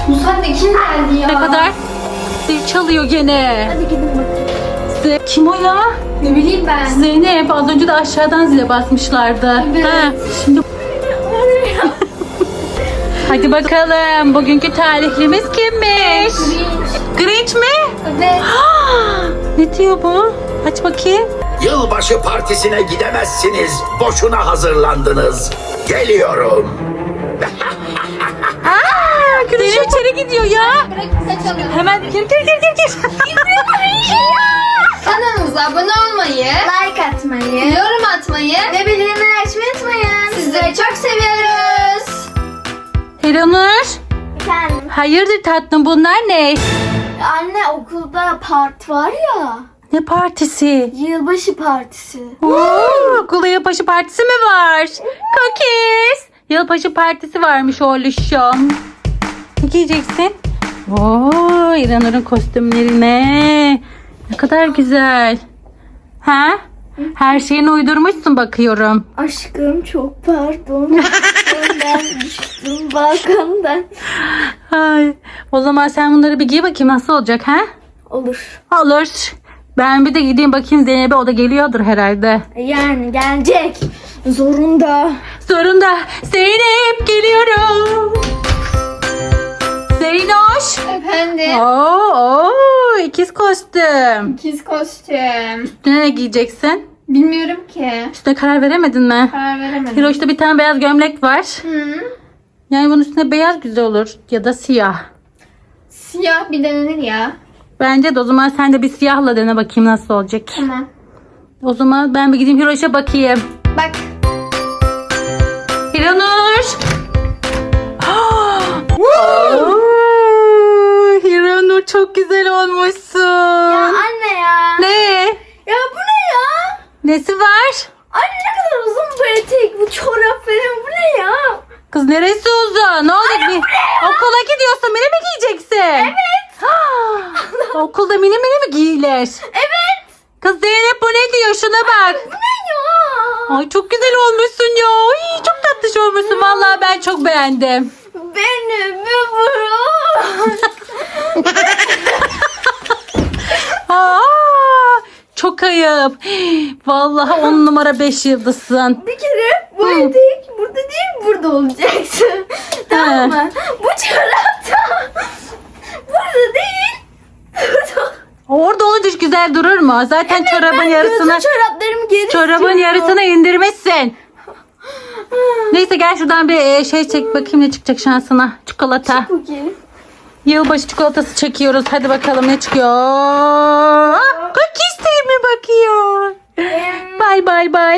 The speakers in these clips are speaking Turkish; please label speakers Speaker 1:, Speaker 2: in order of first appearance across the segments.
Speaker 1: Bu saatte kim geldi ya?
Speaker 2: Ne kadar? Zil çalıyor gene.
Speaker 1: Hadi gidin bakın.
Speaker 2: Kim o ya?
Speaker 1: Ne bileyim ben.
Speaker 2: Zeynep, az önce de aşağıdan zile basmışlardı.
Speaker 1: Evet.
Speaker 2: Şimdi hadi bakalım, bugünkü talihlimiz kimmiş? Grinch mi?
Speaker 1: Evet.
Speaker 2: Ne diyor bu? Aç bakayım.
Speaker 3: Yılbaşı partisine gidemezsiniz. Boşuna hazırlandınız. Geliyorum.
Speaker 2: Grinch içeri gidiyor ya.
Speaker 1: Bırakın kaçalım.
Speaker 2: Hemen gir.
Speaker 1: Kanalımıza abone olmayı,
Speaker 4: Like atmayı
Speaker 1: yorum atmayı
Speaker 4: ve bildirimleri açmayı unutmayın.
Speaker 1: sizleri çok seviyoruz.
Speaker 2: Hiranur.
Speaker 4: Efendim,
Speaker 2: Hayırdır tatlım, bunlar ne?
Speaker 4: anne okulda part var ya.
Speaker 2: Ne partisi?
Speaker 4: Yılbaşı partisi.
Speaker 2: Okulda yılbaşı partisi mi var? Cookies. Yılbaşı partisi varmış oğluşum. Ne giyeceksin? Oo, İranur'un kostümlerine. Ne kadar güzel. Ha? Her şeyini uydurmuşsun bakıyorum.
Speaker 4: Aşkım çok pardon. Ben düştüm balkondan.
Speaker 2: Ay, o zaman sen bunları bir giy bakayım, nasıl olacak ha?
Speaker 4: Olur.
Speaker 2: Olur. Ben bir de gideyim bakayım Zeynep'e, o da geliyordur herhalde.
Speaker 4: Yani gelecek. Zorunda.
Speaker 2: Sorunda Zeynep geliyorum. Zeynoş.
Speaker 1: Efendim.
Speaker 2: Oo, ikiz kostüm.
Speaker 1: İkiz kostüm.
Speaker 2: Üstüne ne giyeceksin?
Speaker 1: Bilmiyorum ki.
Speaker 2: Üstüne karar veremedin mi?
Speaker 1: Karar veremedim.
Speaker 2: Hiroş'ta bir tane beyaz gömlek var.
Speaker 1: Hı.
Speaker 2: Yani bunun üstüne beyaz güzel olur. Ya da siyah.
Speaker 1: Siyah bir denenir ya.
Speaker 2: Bence de o zaman sen de bir siyahla dene bakayım nasıl olacak.
Speaker 1: Tamam.
Speaker 2: O zaman ben bir gideyim Hiroş'a bakayım.
Speaker 1: Bak.
Speaker 2: Hiranur. Oo, Hiranur çok güzel olmuşsun.
Speaker 4: Ya anne ya.
Speaker 2: Ne?
Speaker 4: Ya bu ne ya?
Speaker 2: Nesi var?
Speaker 4: Anne ne kadar uzun bu etek, bu çorap falan, bu ne ya?
Speaker 2: Kız neresi uzun? Ne olacak? Okula gidiyorsun, mini mi giyeceksin? Evet. Okulda mini mi giyilir?
Speaker 4: Evet.
Speaker 2: Kız Zeynep, bu ne diyor? Şuna bak.
Speaker 4: Bu ne ya?
Speaker 2: Ay çok güzel olmuşsun ya. Ay, çok tatlış olmuşsun. Vallahi ben çok beğendim.
Speaker 4: Beni bir vurun.
Speaker 2: Aa, çok ayıp. Vallahi 10 numara 5 yıldızsın.
Speaker 4: Bir kere bu etek burada değil, burada olacaksın. Tamam mı? Bu çorap da burada değil. Burada.
Speaker 2: Orada olunca hiç güzel durur mu? Zaten çorabın
Speaker 4: Ben
Speaker 2: yarısını
Speaker 4: gözü çoraplarımı geri
Speaker 2: çorabın
Speaker 4: istiyorum.
Speaker 2: yarısını indirmişsin. Neyse gel şuradan bir şey çek bakayım ne çıkacak şansına. Çikolata.
Speaker 4: Cookie.
Speaker 2: Yılbaşı çikolatası çekiyoruz. Hadi bakalım ne çıkıyor. Cookies değil mi bakıyor? Bay bay bay.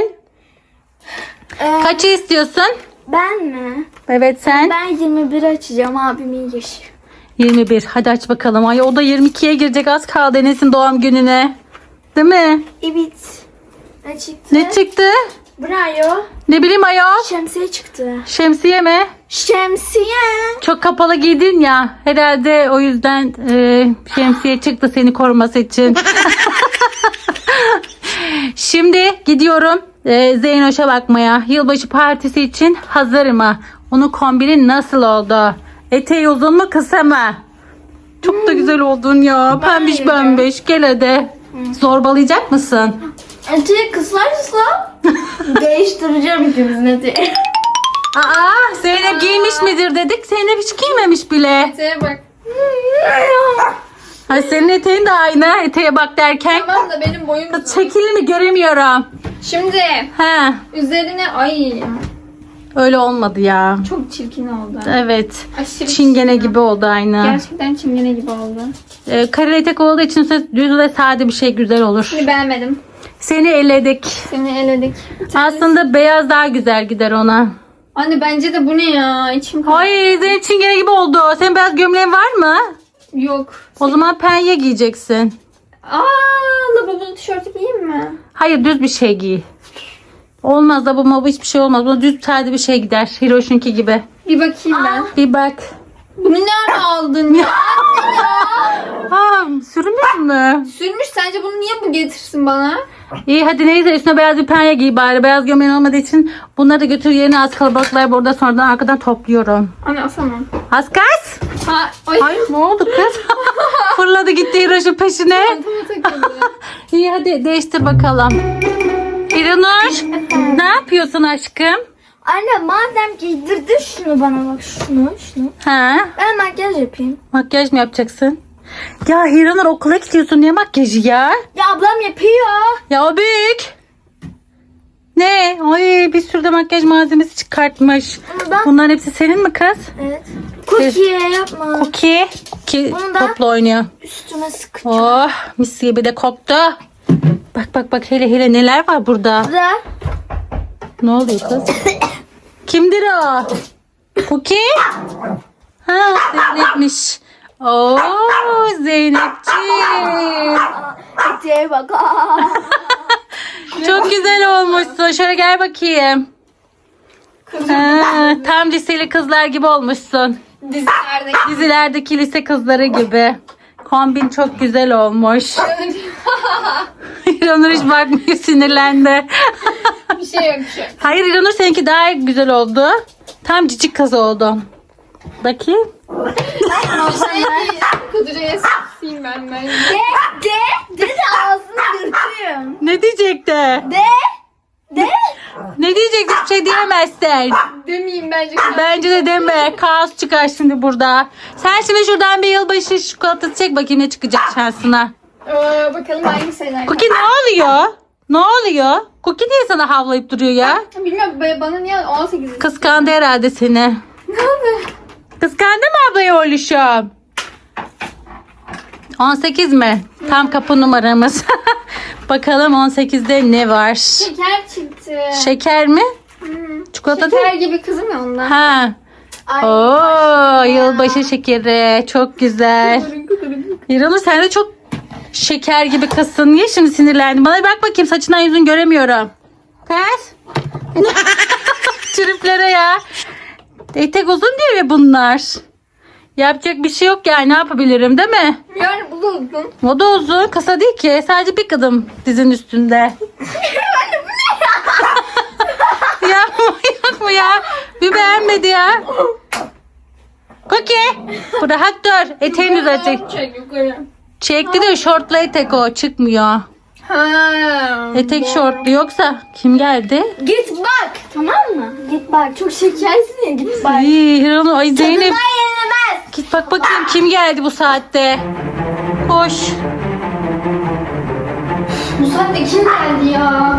Speaker 2: Kaçı istiyorsun?
Speaker 4: Ben mi?
Speaker 2: Evet sen.
Speaker 4: Ben 21 açacağım, abimin yaşı.
Speaker 2: 21. Hadi aç bakalım. Ay o da 22'ye girecek, az kaldı Enes'in doğum gününe. Değil mi?
Speaker 4: Evet. Ne çıktı?
Speaker 2: Ne çıktı?
Speaker 4: Bravo.
Speaker 2: Ne bileyim ayol.
Speaker 4: Şemsiye çıktı.
Speaker 2: Şemsiye mi?
Speaker 4: Şemsiye.
Speaker 2: Çok kapalı giydin ya. Herhalde o yüzden şemsiye çıktı seni koruması için. Şimdi gidiyorum Zeynoş'a bakmaya. Yılbaşı partisi için hazır mı? Onun kombini nasıl oldu? Eteği uzun mu kısa mı? Çok da güzel oldun ya. Pembiş
Speaker 4: Bence de.
Speaker 2: pembiş. Gel hadi. Zorbalayacak mısın?
Speaker 4: Eteği kısarsa değiştireceğim ikimizin eteği.
Speaker 2: Aa, Zeynep giymiş midir dedik. Zeynep hiç giymemiş bile.
Speaker 1: Eteğe bak.
Speaker 2: Ay senin eteğin de aynı. Eteğe bak derken.
Speaker 1: Tamam da benim boyum uzun.
Speaker 2: Çekil mi göremiyorum.
Speaker 1: Şimdi
Speaker 2: He,
Speaker 1: üzerine ay
Speaker 2: öyle olmadı ya.
Speaker 1: çok çirkin oldu.
Speaker 2: Evet.
Speaker 1: Aşırı
Speaker 2: Çingene
Speaker 1: çirkin.
Speaker 2: gibi oldu aynı.
Speaker 1: Gerçekten çingene gibi oldu.
Speaker 2: Kareli etek olduğu için düz ve sade bir şey güzel olur.
Speaker 1: Şimdi beğenmedim.
Speaker 2: Seni eledik.
Speaker 1: Seni eledik.
Speaker 2: Aslında beyaz daha güzel gider ona.
Speaker 1: Anne bence de bu ne ya? İçim kaldı.
Speaker 2: Ay senin çingene gibi oldu. Senin beyaz gömleğin var mı?
Speaker 1: Yok.
Speaker 2: O zaman penye giyeceksin.
Speaker 1: Lavabolu tişörtü giyeyim mi?
Speaker 2: Hayır, düz bir şey giy. Olmaz da bu hiçbir şey olmaz. Buna düz sade bir şey gider. Hiroş'unki gibi.
Speaker 1: Bir bakayım ben.
Speaker 2: Bir bak.
Speaker 1: Bunu nerede aldın ya?
Speaker 2: Aa, sürmüş mü?
Speaker 1: Sürmüş, sence bunu niye bu getirsin bana?
Speaker 2: İyi hadi neyse, üstüne beyaz bir penye giy bari. Beyaz gömleğin olmadığı için bunları da götür yerine, az kalabalıklar burada sonradan arkadan topluyorum.
Speaker 1: Anne asamam.
Speaker 2: Askas.
Speaker 1: Ha, ay.
Speaker 2: Ay ne oldu kız? Fırladı gitti Hiroş'un peşine.
Speaker 1: Çantama takıldı.
Speaker 2: İyi hadi değiştir bakalım. İranur ne yapıyorsun aşkım?
Speaker 4: Anne madem giydirdin şunu bana bak şunu.
Speaker 2: Ha?
Speaker 4: Ben makyaj yapayım.
Speaker 2: Makyaj mı yapacaksın? Ya Hiranur okula gidiyorsun, niye makyajı ya?
Speaker 4: Ya ablam yapıyor.
Speaker 2: Ya o büyük. Ne? Ay bir sürü de makyaj malzemesi çıkartmış.
Speaker 4: Bunu da-
Speaker 2: Bunların hepsi senin mi kız?
Speaker 4: Evet. Cookie yapma.
Speaker 2: Cookie. Ki
Speaker 4: Bunu da-
Speaker 2: topla oynuyor.
Speaker 4: Üstüme sıkacağım.
Speaker 2: Oh mis gibi de koktu. Bak hele neler var burada.
Speaker 4: Bu da
Speaker 2: Ne oluyor kız? Kimdir o? Cookie? Ha Zeynep'miş. Oo Zeynepciğim.
Speaker 4: eteğe bak.
Speaker 2: Çok güzel olmuşsun. Şöyle gel bakayım. Ha, tam liseli kızlar gibi olmuşsun.
Speaker 1: Dizilerdeki.
Speaker 2: Dizilerdeki lise kızları gibi. Kombin çok güzel olmuş. İranur hiç bakmıyor, sinirlendi.
Speaker 1: Bir şey yok bir şey.
Speaker 2: Hayır İranur seninki daha güzel oldu. Tam cicik kız oldun. Bakayım.
Speaker 1: Kuduruya sıkayım ben.
Speaker 4: De ağzını yırtırım.
Speaker 2: Ne diyecekti?
Speaker 4: De.
Speaker 2: Ne diyecekti? Bir şey diyemezsin.
Speaker 1: Demeyeyim bence.
Speaker 2: Bence de deme. Kaos çıkar şimdi burada. Sen şimdi şuradan bir yılbaşı çikolatası çek bakayım ne çıkacak şansına.
Speaker 1: Bakalım hangi sayılar.
Speaker 2: Cookie ne oluyor? Ne oluyor? Cookie niye sana havlayıp duruyor ya?
Speaker 1: Bilmiyorum bana niye 18
Speaker 2: Kıskandı herhalde seni.
Speaker 1: Ne oldu?
Speaker 2: Kıskandı mı ablayı oğluşum? 18 mi? Tam kapı numaramız. Bakalım 18'de ne var?
Speaker 1: Şeker çıktı.
Speaker 2: Şeker mi? Çikolata değil
Speaker 1: Şeker
Speaker 2: mi?
Speaker 1: gibi kızım ya ondan.
Speaker 2: Ha.
Speaker 4: Ay.
Speaker 2: Oo, yılbaşı şekeri. Çok güzel. İranur sen de çok şeker gibi kızsın. Niye şimdi sinirlendin? Bana bir bak bakayım, saçından yüzünü göremiyorum. Kız. Triplere ya. Etek uzun diyor ya bunlar. Yapacak bir şey yok yani, ne yapabilirim değil mi?
Speaker 1: Yani bu da uzun.
Speaker 2: O da uzun. Kısa değil ki. Sadece bir kadın dizin üstünde. Ya yok mu ya? Bir beğenmedi ya. Cookie. Bu rahat dur. Eteğini düzeltecek.
Speaker 1: Çek yukarı.
Speaker 2: Çekti de şortlu etek o. Çıkmıyor.
Speaker 1: Ha.
Speaker 2: Etek şortlu, yoksa kim geldi?
Speaker 4: Git bak. Tamam mı? Git bak. Çok şekersin ya. Git bak.
Speaker 2: Ay Hiranur, ay Zeynep.
Speaker 4: Tadından yenilemez.
Speaker 2: Git bak bakayım kim geldi bu saatte. Koş.
Speaker 1: Bu saatte kim geldi ya?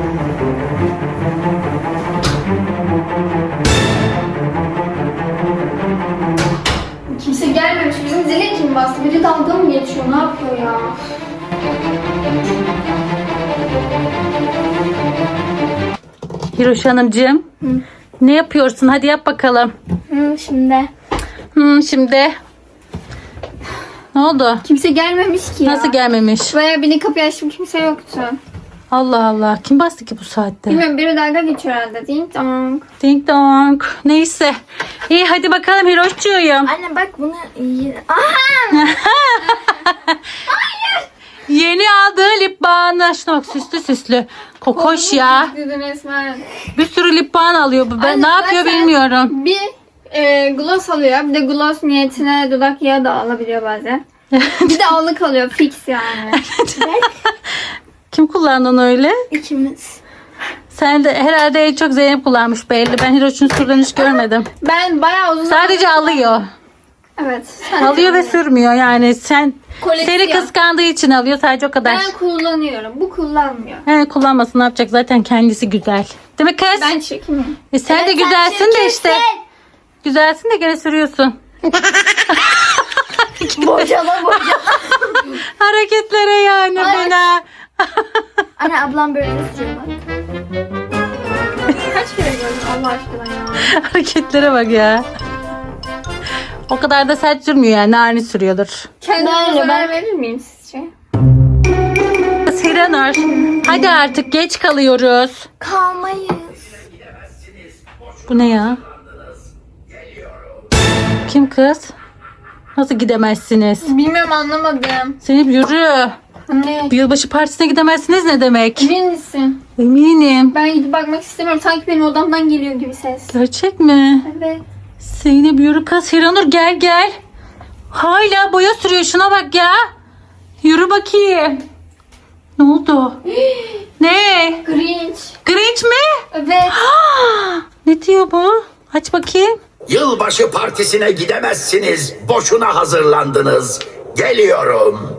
Speaker 1: Kimse gelmemiş. Bizim zile kim bastı? Biri dalga mı geçiyor? Ne yapıyor ya?
Speaker 2: Hiroş Hanımcığım. Ne yapıyorsun? Hadi yap bakalım.
Speaker 4: Şimdi.
Speaker 2: Şimdi. Ne oldu?
Speaker 1: Kimse gelmemiş ki ya.
Speaker 2: Nasıl gelmemiş?
Speaker 1: Bayağı beni kapıyı açtım, kimse yoktu.
Speaker 2: Allah Allah. Kim bastı ki bu saatte?
Speaker 1: Bilmiyorum, biri dalga geçiyor herhalde. Ding dong.
Speaker 2: Ding dong. Neyse. İyi hadi bakalım Hiroşçuyum.
Speaker 4: Anne bak bunu iyi. Aha.
Speaker 2: Yeni aldığı lip balmı. Şuna bak, süslü. Kokoş ya.
Speaker 1: Dedin resmen.
Speaker 2: Bir sürü lip balm alıyor bu. Ben
Speaker 1: Aynen,
Speaker 2: ne yapıyor
Speaker 1: zaten-
Speaker 2: bilmiyorum.
Speaker 1: Bir gloss alıyor. Bir de gloss niyetine dudak yağı da alabiliyor bazen. Bir de allık alıyor. Fix yani.
Speaker 2: Kim kullandı onu öyle?
Speaker 4: İkimiz.
Speaker 2: Sen de herhalde en çok Zeynep kullanmış belli. Ben Hiroş'un sürden hiç görmedim.
Speaker 1: Ben bayağı uzun
Speaker 2: Sadece alıyor.
Speaker 1: Evet.
Speaker 2: Alıyor ve sürmüyor yani. Seni
Speaker 1: Koleksiyon.
Speaker 2: kıskandığı için alıyor, sadece o kadar.
Speaker 1: Ben kullanıyorum. Bu kullanmıyor.
Speaker 2: He, kullanmasın, ne yapacak, zaten kendisi güzel. Değil mi kız?
Speaker 1: Ben çekimim.
Speaker 2: Sen de güzelsin de işte. Güzelsin de gene sürüyorsun.
Speaker 4: Bocala.
Speaker 2: Hareketlere yani fena.
Speaker 4: Anne ablam böyle sürüyor bak.
Speaker 1: Kaç kere gördüm Allah aşkına ya.
Speaker 2: Hareketlere bak ya. O kadar da sert sürmüyor yani, narin sürüyordur.
Speaker 1: Kendime
Speaker 4: Böyle
Speaker 1: zarar verir miyim sizce?
Speaker 2: Hiranur, hadi artık geç kalıyoruz.
Speaker 4: Kalmayız.
Speaker 2: Bu ne ya? Kim kız? Nasıl gidemezsiniz?
Speaker 1: Bilmiyorum, anlamadım.
Speaker 2: Zeynep yürü.
Speaker 1: Ne?
Speaker 2: Bir yılbaşı partisine gidemezsiniz ne demek?
Speaker 1: Emin misin?
Speaker 2: Eminim.
Speaker 1: Ben gidip bakmak istemiyorum. Sanki benim odamdan geliyor gibi ses.
Speaker 2: Gerçek mi?
Speaker 1: Evet.
Speaker 2: Zeynep yürü kız. Hiranur gel. Hala boya sürüyor. Şuna bak ya. Yürü bakayım. Ne oldu? Ne?
Speaker 1: Grinch.
Speaker 2: Grinch mi?
Speaker 1: Evet.
Speaker 2: Ne diyor bu? Aç bakayım.
Speaker 3: Yılbaşı partisine gidemezsiniz. Boşuna hazırlandınız. Geliyorum.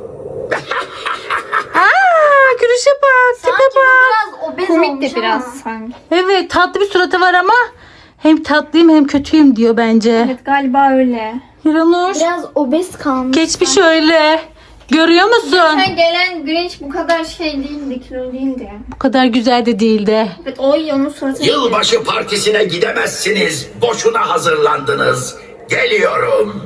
Speaker 2: Gülüşe bak. Tipe
Speaker 4: Sanki bu
Speaker 2: bak.
Speaker 4: biraz obez
Speaker 1: Komik
Speaker 4: olmuş
Speaker 1: de biraz
Speaker 4: ama.
Speaker 1: sanki.
Speaker 2: Evet, tatlı bir suratı var ama hem tatlıyım hem kötüyüm diyor bence.
Speaker 1: Evet galiba öyle.
Speaker 2: Hiranur,
Speaker 4: Biraz obez kalmış.
Speaker 2: geç bir şöyle. Görüyor musun?
Speaker 1: Geçen gelen Grinch bu kadar şey değildi, kilo değildi.
Speaker 2: Bu kadar güzel de değildi.
Speaker 1: Evet o onun suratı.
Speaker 3: Yılbaşı partisine gidemezsiniz. Boşuna hazırlandınız. Geliyorum.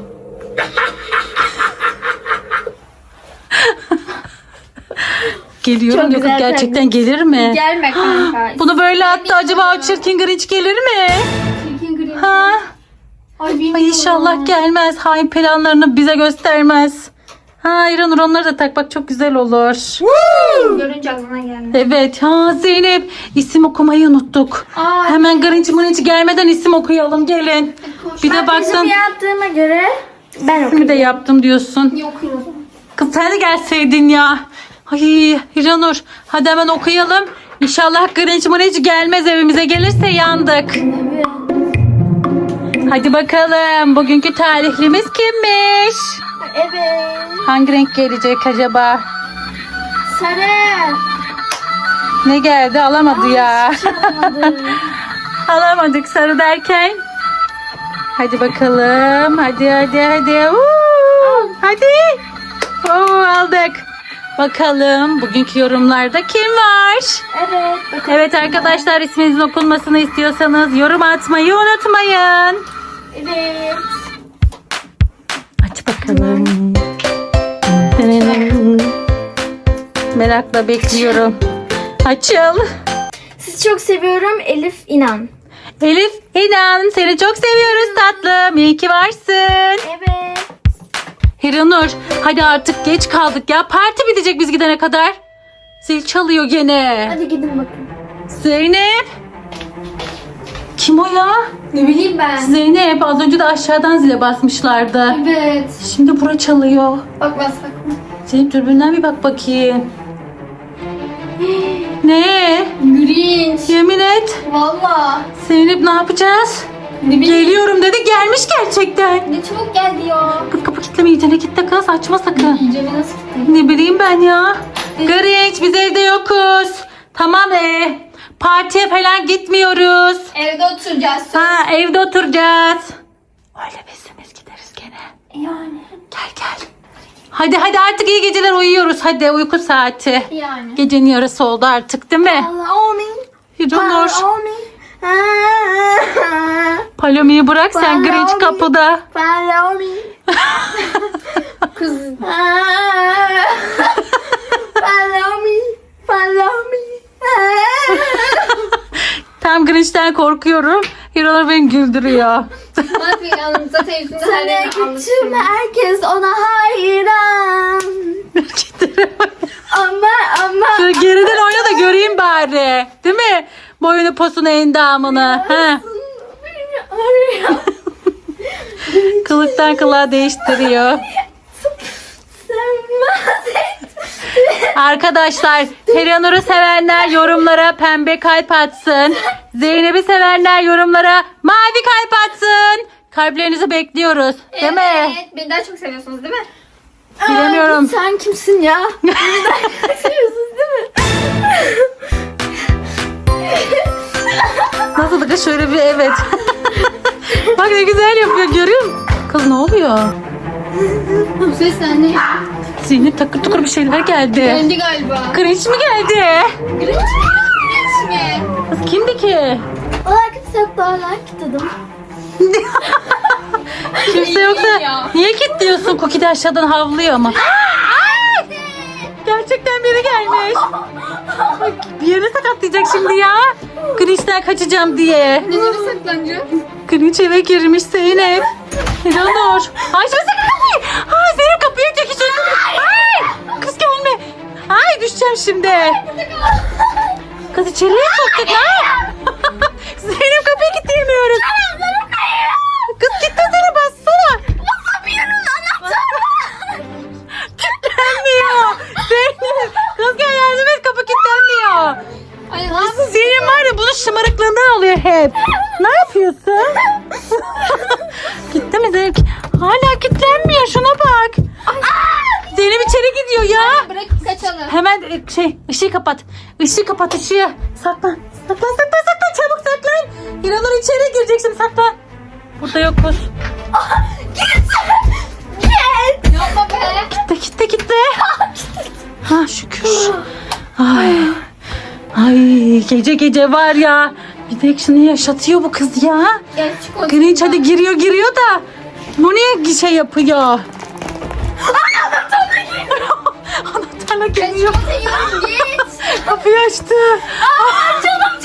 Speaker 2: Geliyorum
Speaker 4: Çok
Speaker 2: diyor. Kız
Speaker 4: güzel
Speaker 2: gerçekten gelir mi?
Speaker 1: Gelme kanka.
Speaker 2: Bunu böyle attı, acaba o çirkin Grinch gelir mi?
Speaker 1: Çirkin Grinch.
Speaker 2: Ha?
Speaker 1: Ay bilmiyorum.
Speaker 2: Ay inşallah gelmez. Hain planlarını bize göstermez. Ha İranur, onları da tak bak, çok güzel olur.
Speaker 1: Görünce aklına geldi.
Speaker 2: Evet. Ha Zeynep, isim okumayı unuttuk.
Speaker 1: Aa,
Speaker 2: Hemen Grinch gelmeden isim okuyalım, gelin. Bir de baksın.
Speaker 4: Bizim yaptığıma göre ben
Speaker 2: İsmi de yaptım diyorsun.
Speaker 1: yok yok.
Speaker 2: Kız sen de gelseydin ya. Ay İranur, hadi hemen okuyalım. İnşallah Grinch gelmez, evimize gelirse yandık. Hadi bakalım, bugünkü tarihlimiz kimmiş?
Speaker 4: Evet.
Speaker 2: Hangi renk gelecek acaba?
Speaker 4: Sarı.
Speaker 2: Ne geldi? Alamadı ya. Alamadık sarı derken. Hadi bakalım. Hadi. Hadi. Aldık. Bakalım bugünkü yorumlarda kim var?
Speaker 4: Evet. Bakın.
Speaker 2: Evet arkadaşlar, isminizin okunmasını istiyorsanız yorum atmayı unutmayın.
Speaker 4: Evet.
Speaker 2: Aç bakalım. Merakla bekliyorum. Açıl.
Speaker 4: Sizi çok seviyorum Elif İnan.
Speaker 2: Elif İnan, seni çok seviyoruz tatlım. İyi ki varsın.
Speaker 4: Evet.
Speaker 2: Hiranur, hadi artık geç kaldık ya. Parti bitecek biz gidene kadar. Zil çalıyor gene.
Speaker 4: Hadi gidin bakın.
Speaker 2: Zeynep. Kim o ya?
Speaker 1: Ne bileyim ben.
Speaker 2: Zeynep, az önce de aşağıdan zile basmışlardı.
Speaker 1: Evet.
Speaker 2: Şimdi bura çalıyor.
Speaker 1: Bak bakma.
Speaker 2: Zeynep, dürbünden bir bak bakayım. Ne?
Speaker 1: Grinch.
Speaker 2: Yemin et.
Speaker 1: Valla.
Speaker 2: Zeynep, ne yapacağız?
Speaker 1: Ne bileyim.
Speaker 2: Geliyorum dedi, gelmiş gerçekten.
Speaker 1: Ne çabuk geldi ya.
Speaker 2: Kız kapı kilitleme, iyicene kitle kız, açma sakın.
Speaker 1: İyice nasıl gitti?
Speaker 2: Ne bileyim ben ya. Grinch, biz evde yokuz. Tamam partiye falan gitmiyoruz.
Speaker 1: Evde oturacağız.
Speaker 2: Ha, evde oturacağız. Öyle bizimiz gideriz gene.
Speaker 1: Yani.
Speaker 2: Gel. Hadi artık iyi geceler, uyuyoruz. Hadi uyku saati.
Speaker 1: Yani.
Speaker 2: Gecenin yarısı oldu artık değil mi?
Speaker 4: Follow me.
Speaker 2: Hiranur,
Speaker 4: Follow me.
Speaker 2: Palomi'yi bırak sen,
Speaker 4: Follow
Speaker 2: Grinch
Speaker 4: me.
Speaker 2: kapıda.
Speaker 4: Follow me.
Speaker 1: Kız.
Speaker 4: Follow me. Follow me.
Speaker 2: Tam Grinch'ten korkuyorum. Hiranur beni güldürüyor.
Speaker 1: Ne yapayım yanımıza televizyonda her
Speaker 4: Sana
Speaker 1: yerini
Speaker 4: gittim,
Speaker 1: anlatırım.
Speaker 4: herkes ona hayran. Ama
Speaker 2: Şöyle geriden oyna da göreyim bari. Değil mi? Boyunu posunu endamını. Ha. Kılıktan kılığa değiştiriyor. Arkadaşlar, Hiranur'u sevenler yorumlara pembe kalp atsın. Zeynep'i sevenler yorumlara mavi kalp atsın. Kalplerinizi bekliyoruz. Değil mi?
Speaker 1: Evet. Beni daha çok seviyorsunuz değil mi?
Speaker 2: Bilemiyorum.
Speaker 4: Sen kimsin ya? Seviyorsunuz değil mi?
Speaker 2: Nasıl da kız, şöyle bir evet. Bak ne güzel yapıyor, görüyor musun? Kız ne oluyor?
Speaker 1: Bu ses ne?
Speaker 2: Zeynep, takır tukur bir şeyler geldi.
Speaker 1: Geldi galiba.
Speaker 2: Grinch mi geldi?
Speaker 1: Grinch mi?
Speaker 2: Kız kimdi ki?
Speaker 4: Ola kimse yok daha like dedim.
Speaker 2: Kimse yoksa
Speaker 1: ya.
Speaker 2: niye kilitliyorsun? Cookie de aşağıdan havlıyor ama. Gerçekten biri gelmiş. Bak, bir yere sakatlayacak şimdi ya. Grinch'ten kaçacağım diye.
Speaker 1: Nereye saklanacağız?
Speaker 2: Grinch eve girmiş Zeynep. Hiranur. Açmasana kapıyı. Ay Zeynep, kapıyı çekişiyorsun. Ay kız gelme. Ay düşeceğim şimdi. Kız içeriye soktuk ha. Zeynep, kapıyı kilitleyemiyoruz. Kız kilitlesene, bassana.
Speaker 4: Basamıyorum, anahtar
Speaker 2: Zeynep? Ne yapıyorsun? Gitti mi Zeynep? Hala kilitlenmiyor. Şuna bak. Zeynep içeri gidiyor ya.
Speaker 1: Bırakıp kaçalım.
Speaker 2: Hemen ışığı kapat. Işığı kapat ışığı. Saklan. Saklan. Çabuk saklan. İranur içeri girecek şimdi saklan. Burada yokuz.
Speaker 1: Yapma be.
Speaker 2: Gitti. Ha şükür. Ay gece var ya. Bir de şunu yaşatıyor bu kız ya.
Speaker 1: Gel çık o
Speaker 2: Grinch hadi giriyor da. Bu niye şey yapıyor? Anahtarla geliyor.
Speaker 1: Git.
Speaker 2: Kapıyı açtı.
Speaker 1: Canım.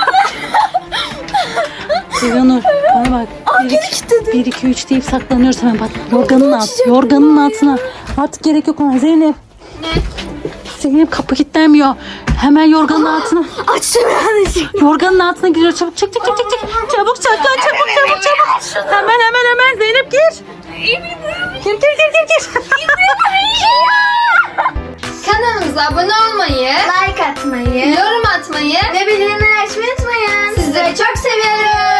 Speaker 2: İranur bana bak. 1 2 3 deyip saklanıyoruz hemen bak. Yorganın altına. Artık gerek yok ona Zeynep.
Speaker 1: Ne?
Speaker 2: Zeynep kapı kilitlenmiyor. Hemen yorganın altına.
Speaker 4: Açtım yanlışlıkla.
Speaker 2: Yorganın altına giriyor. Çabuk çek. Çabuk saklan çabuk. Hemen Zeynep gir. Gir.
Speaker 1: Kanalımıza abone olmayı,
Speaker 4: Like atmayı
Speaker 1: yorum atmayı
Speaker 4: ve bildirimleri açmayı unutmayın.
Speaker 1: sizleri çok seviyoruz.